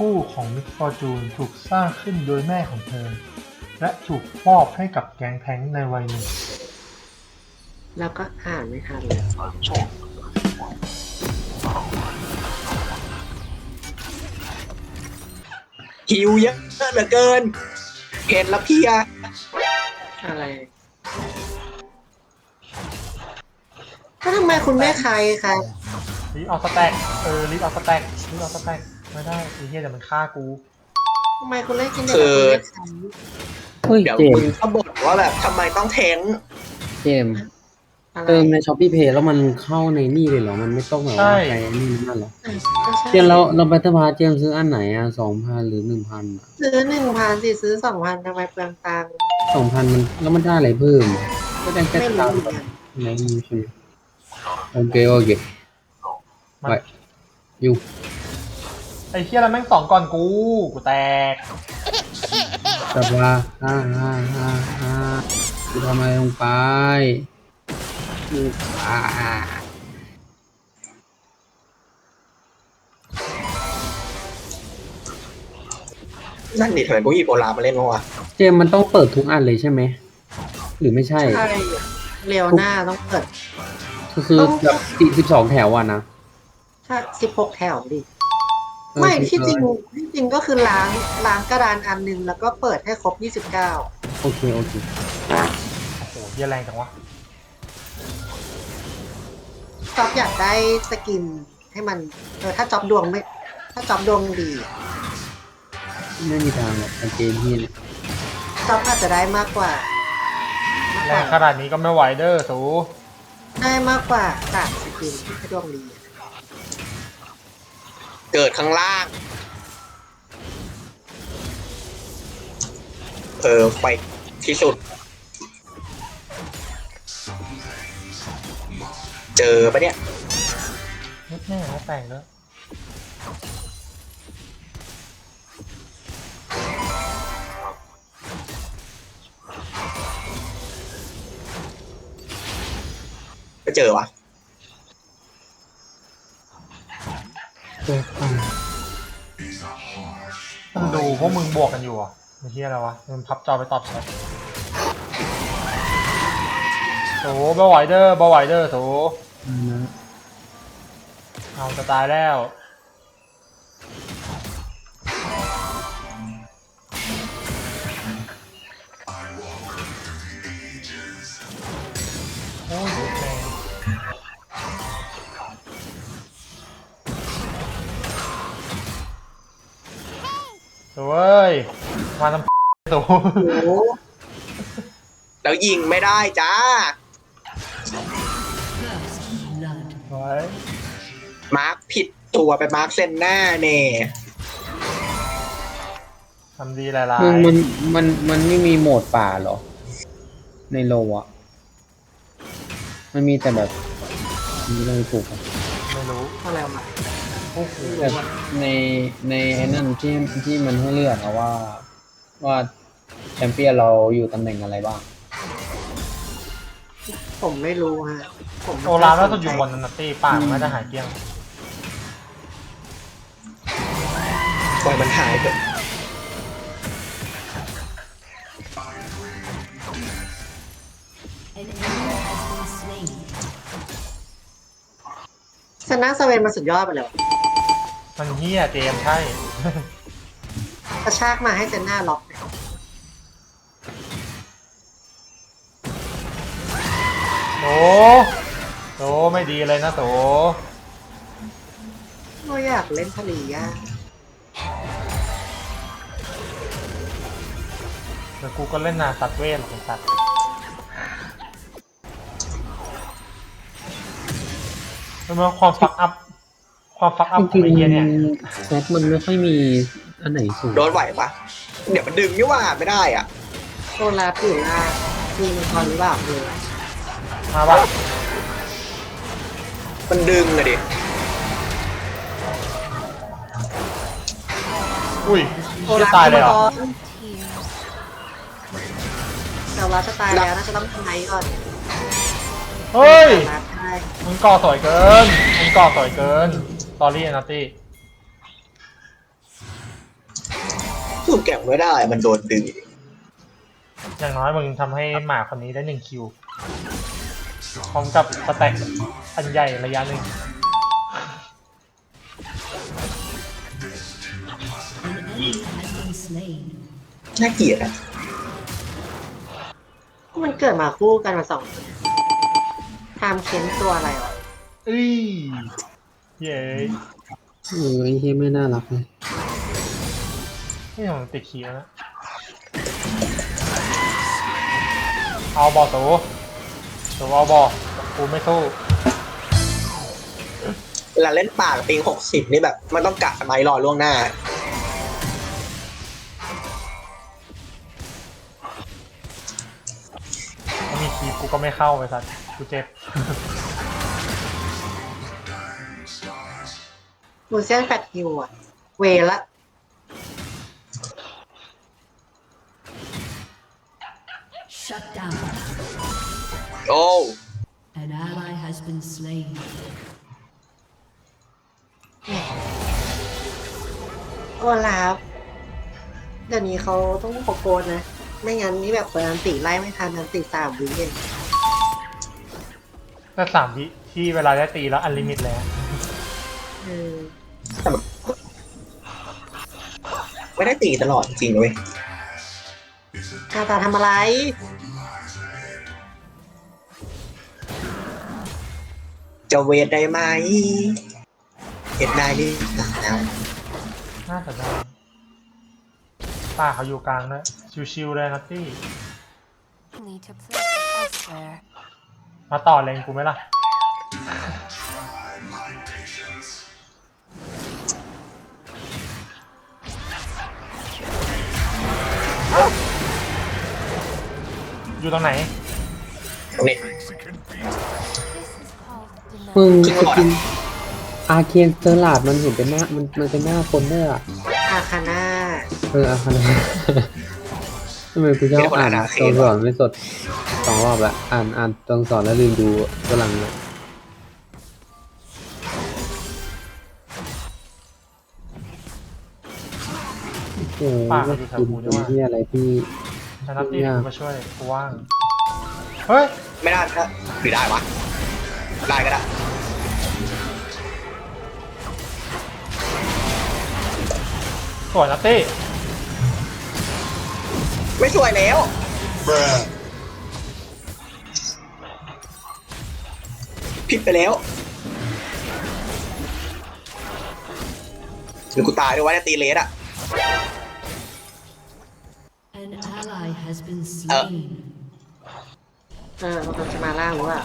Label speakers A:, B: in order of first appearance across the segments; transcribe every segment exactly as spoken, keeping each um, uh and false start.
A: คู่ของมิสฟอร์จูนถูกสร้างขึ้นโดยแม่ของเธอและถูกมอบให้กับแก๊งแท้งในวัยหนุ่ม
B: แล้วก็อ่านไม่ทันเลย
C: หิวเยอะเหลือเกินเห็นแล้วพี่อะ
B: อะไรถ้าทำไมคุณแม่ใครคะ
A: รีบเอาสแต็กเออรีบเอาสแต็กรีบเอาสแต็กไม่ได้ไอ้เหี้ยเดี๋ยวมันฆ่ากู
B: ทำไมคุณเล่นกินเด็กกับคุณแม่ใคร
D: เฮ้ย
C: เดี๋ยว
D: เจม
C: มึง
D: ส์
C: ก็บ่นว่าแบบทำไมต้องแทง
D: เจมส์
B: อะไร
D: เติมในช้อปปี้เพย์แล้วมันเข้าในนี่เลยเหรอ มันไม่ต้องแบบว่าใครนี่นั่นเหรอ
B: ก็ใช่
D: เจมส์เราเราบัตเตอร์พาเจมส์ซื้ออันไหนอ่ะสองพันหรือหนึ่งพันอ่ะ
B: ซื้อหนึ่งพันสิซื้อสองพันทำไมเปลืองตังค์
D: สองพันมันแล้วมันได้อะไรเพิ่มก็ได้แค่
B: ไม่
D: ตา
B: รู้
D: ม
B: เหมือนกัน
D: ไหนนี่ใช่ไหมโอเคโอเค
A: มัน
D: ไปอยู่
A: ไอ้เหี้ยแล้วแม่งสองก่อนกูกูแตก
D: สบายฮ่าฮ่าฮ่าฮ่ากูทำอะไรลงไปอืมอ่า
C: นั่นดิทำไมพวกอีโบรามาเล่นวะ
D: เจมส์มันต้องเปิดทุกอันเลยใช่ไหมหรือไม่ใช่
B: ใช่เร็วหน้าต้องเปิด
D: ก็คือ
B: ต้อง
D: แบบสิบสองแถวอ่ะนะ
B: ถ้าสิบหกแถวดิ
D: เออ
B: ไม่
D: สิ
B: ที่
D: บ
B: จ
D: ร้
B: ริ
D: อง ย
B: ที่จริงก็คือล้างล้างกระดานอันหนึงแล้วก็เปิดให้ครบยี่สิบเก้า
D: โอเคโอเค
A: โอ้โหเหี้ยแรงจังวะ
B: จ็อบอยากได้สกินให้มันเออถ้าจ็อบดวงไม่ ถ้าจ็อบดวงดีอะ
D: ไม่มีทางหรอกเกมที่เนี่ย
B: จ็อบอาจจะได้มากกว่า มาก
A: แร
B: กว่าง
A: ขนาดนี้ก็ไม่ไหวเด้อสู
B: ได้มากกว่าสามสกินถ้าดวงดีอะ
C: เกิดข้างล่าง เออไปที่สุด เจอปะเนี่ย
A: นิดแน่แล้วแตกแล้ว
C: ก็เจอวะ
D: ตัวป่า
A: มึงดูพวกมึงบวกกันอยู่อ่ะไอ้เหี้ยอะไรวะมึงพับจอไปตอบแชทโถเบาไหวเด้อเบาไหวเด้อโถ
D: อันนะ
A: เอาจะตายแล้วโอ้ยเดือดแรงโถ่เอ้ยมาทำตัว
B: โอ้
C: แล้วยิงไม่ได้จ้า
A: ไว้
C: มาร์คผิดตัวไปมาร์คเซนหน้าเน่
A: ทำดีหลาย
D: มึงมันมันมันไม่มีโหมดป่าเหรอ ในโลอ่ะ มันมีแต่แบบมีอะไรถูกอ่ะ
A: ๆไม่รู้
B: อะไรมา
A: โอ้โห
D: แบบในในไอ้นั่นที่ที่มันให้เลือกอะว่า ว่าแชมเปี้ยนเราอยู่ตำแหน่งอะไรบ้าง
B: ผมไม่รู้ฮะผมไม่
A: โอลาฟน่าจะอยู่บนนันตี้ป่ามันน่าจะหายเกลี้ยง
C: ปล่อยมันหายไป
B: ชนะสเวนมาสุดยอดไปแล้ว
A: มันเฮี้ยเจมส์ใช่
B: กระชากมาให้เซนหน้าล็อกเนี่ย
A: โตโตไม่ดีเลยนะโต
B: ก็อยากเล่นทะเลย่า
A: เดี๋ยวกูก็เล่นนาสัตว์เวทหรอกไอ้สัตว์แล้วมันความฟักอัพ ความฟักอัพ
D: จ
A: ของ
D: ริ
A: ไอ้
D: ง
A: เฮี้ยเนี่ย
D: ๆแซดมันไม่ค่อยมีอันไหนสูง
C: โดนไหวปะเดี๋ยวมันดึงนี่ว่าไม่ได้อ่ะ
B: โซลาผิวล่ามีมังกรหรือเปล่าเลย
A: มาปะ
C: มันดึงอะดิ
A: อุ้ย
B: โซ
A: จะ
B: ลา
A: ตายเลยเหรอ
B: มังกรแต่ว่าจะตายแล้วน่าจะต้องทำไงก่อน
A: เฮ้ย
B: รัดได้
A: มึงก่อสวยเกิน มึงก่อสวยเกิน ตอรี่นัตตี้
C: กูแก่งไม่ได้มันโดนดึง
A: อย่างน้อยมึงทำให้หมาคนนี้ได้หนึ่งคิวพร้อมกับสแต็กอันใหญ่ระยะหนึ่ง
C: น่าเกลียดอ่ะ
B: มันเกิดมาคู่กันมาสองไทม์เค้นตัวอะไรวะ
A: เอ้ยเย้
D: เออไอ้เฮียไม่น่ารักเลย
A: นี่ผมติดคิวนะเอาบอตัวตัวเอาบอกูไม่สู้
C: เวลาเล่นป่ากับปิงหกสิบนี่แบบมันต้องกะสมัยรอล่วงหน้า
A: ไม่มีคีบกูก็ไม่เข้าไปสัตว์กูเจ็บ
B: มูเซียนแฟตฮิวอะเวละ
E: Shut down.
C: โอ้
E: An ally has been slain.
B: โอลาฟเดี๋ยวนี้เขาต้องโปรโกนนะ ไม่งั้นนี่แบบเปิดอันติไล่ไม่ทันอันติสามวิเอง
A: ก็สามวิที่เวลาได้ตีแล้วอันลิมิตแล้ว
B: เออ
C: แต่แบบไม่ได้ตีตลอดจริงๆเว้ย
B: กาตาทำอะไร
C: จะเวทได้ไหมเห็นได้ดิแล้ว
A: น่าจะได้ป้าเขาอยู่กลางด้วยชิวๆเลยนัตตี้
F: Need to place elsewhere.
A: มาต่อเลงกูไหมล่ะ อยู่ตรงไหน
C: นี่
F: This is called
D: มึง
F: denial.
C: จริงเหร
D: จะ
C: อ
D: กินอาเคียนเซอร์ลาดมันเห็นเป็นหน้ามันมันเป็นหน้าคนด้วยอ่ะ
B: อาคาน่า
D: เอออาคานะ ทำไมกูชอบอ่านตัวสอนไม่สดสองรอบละอ่านอ่านตัวสอนแล้วลืมดูตัวหลังเลยโอ้โห
A: ป่า
D: ก็
A: อยู่แถว
D: กิน
A: กูด้
D: เป็
A: วย
D: นที่อะไรที่
A: แต่นัตตี้กูมาช่วยกูว่าง เฮ้ย
C: ไม่ได้นะหรือได้วะได้ก็ได้
A: สวยนัตตี้
C: ไม่สวยแล้วผิดไปแล้วหรือกูตายด้วยวะเนี่ยตีเลสอะ
E: An ally has been slain.
B: เออมันกำลังจะมาล่างหรือเปล่า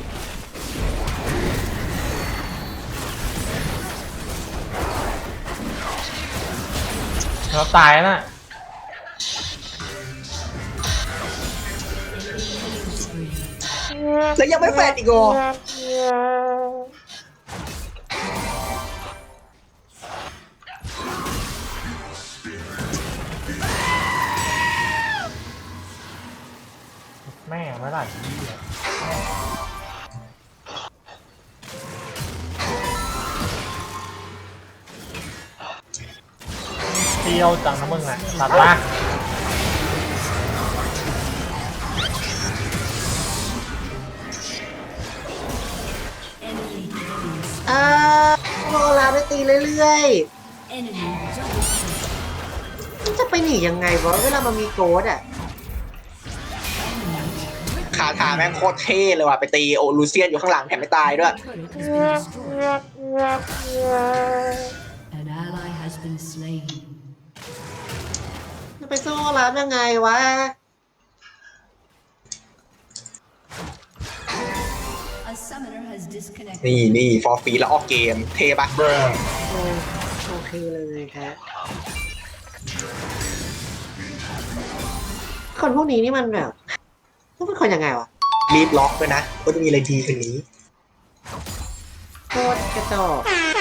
A: เราตายแล้วน่ะ
C: แล้วยังไม่แฟดอีกเหรอ
A: แม่ไม่ไหลที่อ่ะเที่ยวจังนะมึงอ่ะตัดละ
E: Enemy killing.
B: อ่าโอลาฟไปตีเรื่อย
E: Enemy double kill.
B: ๆมันจะไปหนียังไงวะเวลามันมีโกดอ่ะ
C: คาถาแม่งโคตรเท่เลยว่ะไปตีโอลูเซียนอยู่ข้างหลังแถมไม่ตายด้วย
E: Turret has been destroyed. An ally has been slain.
B: จะไปสู้โอลาฟยังไงวะ
E: A summoner has disconnected.
C: นี่นี่ฟอร์ฟีแล้วออกเกมเทปะ
B: โอโอเคเลยครับคนพวกนี้นี่มันแบบพวกเป็นคนยังไงวะ
C: รีบล็อกด้วยนะก็จะมีอะไรดีกว่านี้
B: โคตรกระจอก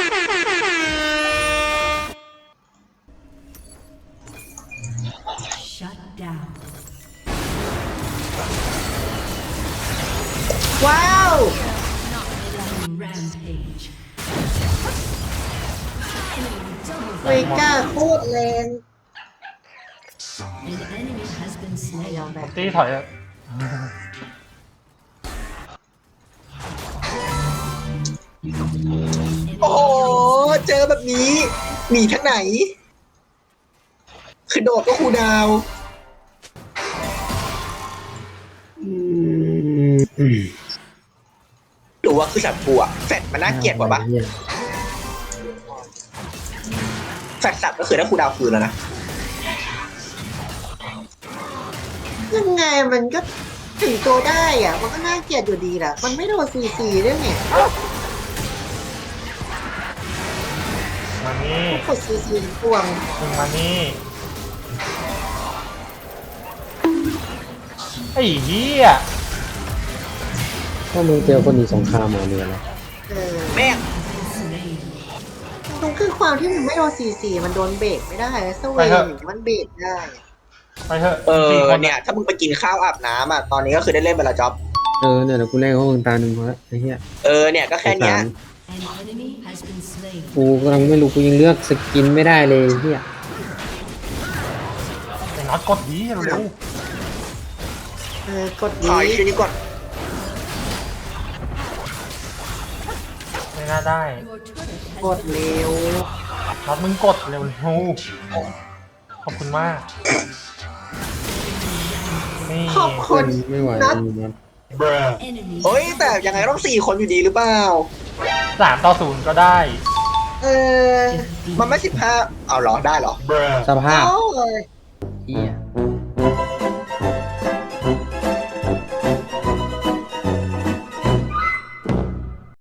E: Shut down.
B: ว้าว
E: Rampage.
B: เวก้าโคตรแรงยอมแบบ
A: ตี้ถอยอะ
C: โอ้โหเจอแบบนี้หนีทั้งไหน คือโดดก็คูลดาวน์อืมหรือว่าคือสัตว์ปัวแฟดมันน่าเกลียดกว่าปะแฟดสัตว์ก็คือได้คูลดาวน์คืนแล้วนะ
B: ยังไงมันก็ถึงตัวได้อ่ะ มันก็น่าเกลียดอยู่ดีแหละมันไม่โดนซีซีด้วยไง
A: มานี่
B: กดซีซีพวง
A: มึงมานี่ไอ้เหี้ย
D: ถ้ามึงเจอคนหนีสงครามมาเรืออะไร
B: เออ
C: แม่ง
B: ตรงคือความที่มันไม่โดนซีซีมันโดนเบรกไม่ได้สเวนอย่างนี้มันเบรกได้
A: ไปเถอะ
C: เออ
A: สี่คน
C: เนี่ย ถ้ามึงไปกินข้าวอาบน้ำอ่ะ ตอนนี้ก็คือได้เล่นไปและจ็อบ
D: เออเนี่ยเดี๋ยวกูเล่นเขามึงตาหนึ่งพอละไอ้เหี้ย
C: เออ เนี่ย ก็แค่เนี้ย
E: An enemy has been slain.
D: กูกำลังไม่รู้กูยังเลือกสกินไม่ได้เลยไอ้เหี้ย
A: ไอ้น็อตกดดีเร็ว
B: เออกด
C: ถ
B: ดี
C: อยชิ้นนี้ก่อน
A: ๆไม่น่าได้
E: Your turret has
B: กดเร็ว
A: น็อตมึงกดเร็วๆขอบคุณมากนี่
B: ขอบคุณ
D: ไม่ไหว
B: นัด
D: มึงนัด
E: enemy.
C: เฮ้ย แต่ยังไงต้องสี่คนอยู่ดีหรือเปล่า
A: สามต่อศูนย์ก็ได้
B: เออ
C: มันไม่สิบห้าเอาเหรอ ได้เหรอ
D: สภาพ
B: เอาเลย
D: เหี้ย